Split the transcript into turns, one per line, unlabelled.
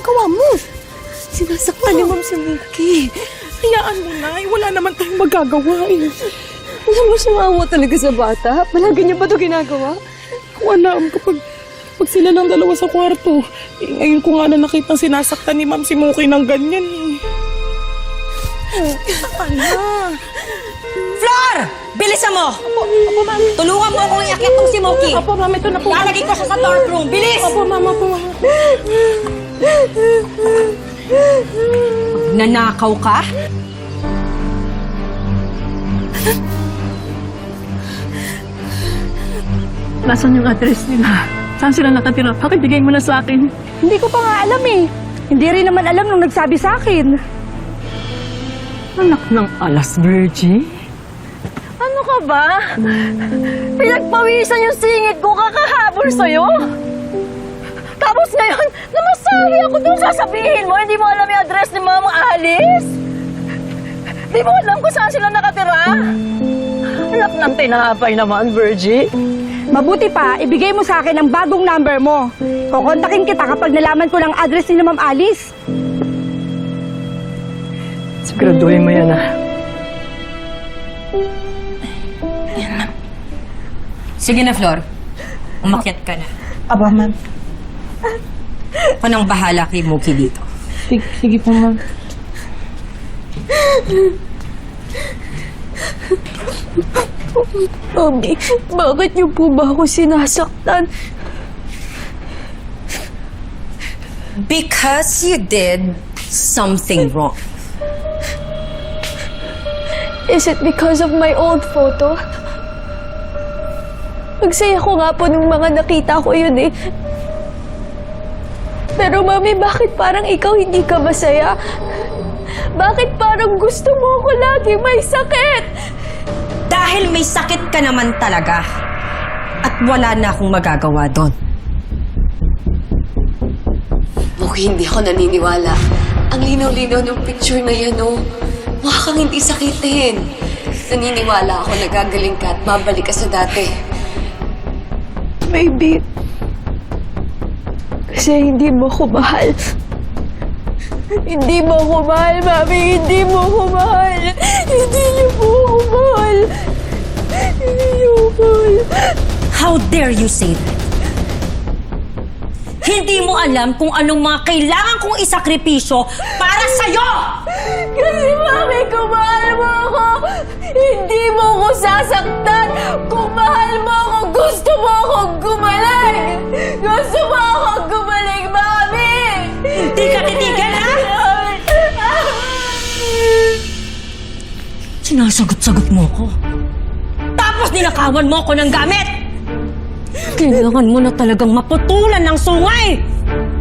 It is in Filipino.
ginagawa mo? Sinasaktan ni Ma'am si Muki.
Hayaan mo na. Wala naman tayong magagawa eh.
Alam mo, sumawa talaga sa bata. Palagi niya ba ito ginagawa?
Wala. Pag sila lang dalawa sa kwarto. Eh, ngayon ko nga na nakita sinasaktan ni Ma'am si Muki ng ganyan eh. Saka na.
Flor! Bilisan mo!
Opo, ma'am.
Tulungan mo akong iakyat tong si Moki.
Opo, ma'am. Ito na po.
Lalagay ko siya sa dorm room. Bilis!
Opo, ma'am. Opo, ma'am.
Nanakaw ka?
Nasaan yung address nila? Saan sila nakatira? Pakibigay mo na sa akin.
Hindi ko pa nga alam eh. Hindi rin naman alam nung nagsabi sa akin.
Anak ng alas, Virgie.
Ano ka ba? Pinagpawisan yung singit ko kakahabol sa'yo? Tapos ngayon, namasabi ako dun sasabihin mo, hindi mo alam yung address ni Mama Alice? Di mo alam kung saan sila nakatira? Anak ng tinapay naman, Virgie. Mabuti pa, ibigay mo sa akin ang bagong number mo. Kukontakin kita kapag nalaman ko ng address ni Ma'am Alice.
Siguraduhin mo yan, ah.
Sige na, Flor. Umakyat ka na.
Aba, ma'am.
Ako nang bahala kay Moki dito.
Sige po, ma'am.
Mami, bakit niyo po ba ako sinasaktan?
Because you did something wrong.
Is it because of my old photo? Nagsaya ko nga po nung mga nakita ko yun eh. Pero Mami, bakit parang ikaw hindi ka masaya? Bakit parang gusto mo ako lagi may sakit?
Dahil may sakit ka naman talaga. At wala na akong magagawa doon.
Muki, hindi ako naniniwala. Ang linaw-linaw ng picture na yan, oh. Mukha kang hindi sakitin. Naniniwala ako na gagaling ka at babalik ka sa dati.
Maybe, kasi hindi mo ko mahal. Hindi mo ko mahal, Mami. Hindi mo ko mahal. Hindi niyo po ako mahal. Hindi niyo ko mahal.
How dare you say that? Hindi mo alam kung anong mga kailangan kong isakripisyo para sa'yo!
Kasi, Mami, kung mahal mo ako, hindi mo ko sasaktan. Kung mahal mo ako, gusto mo akong gumaling. Gusto mo akong gumaling, Mami!
Hindi ka titigil, ha? Sinasagot-sagot mo ko. Tapos ninakawan mo ko ng gamit! Kailangan mo na talagang maputulan ng sungay!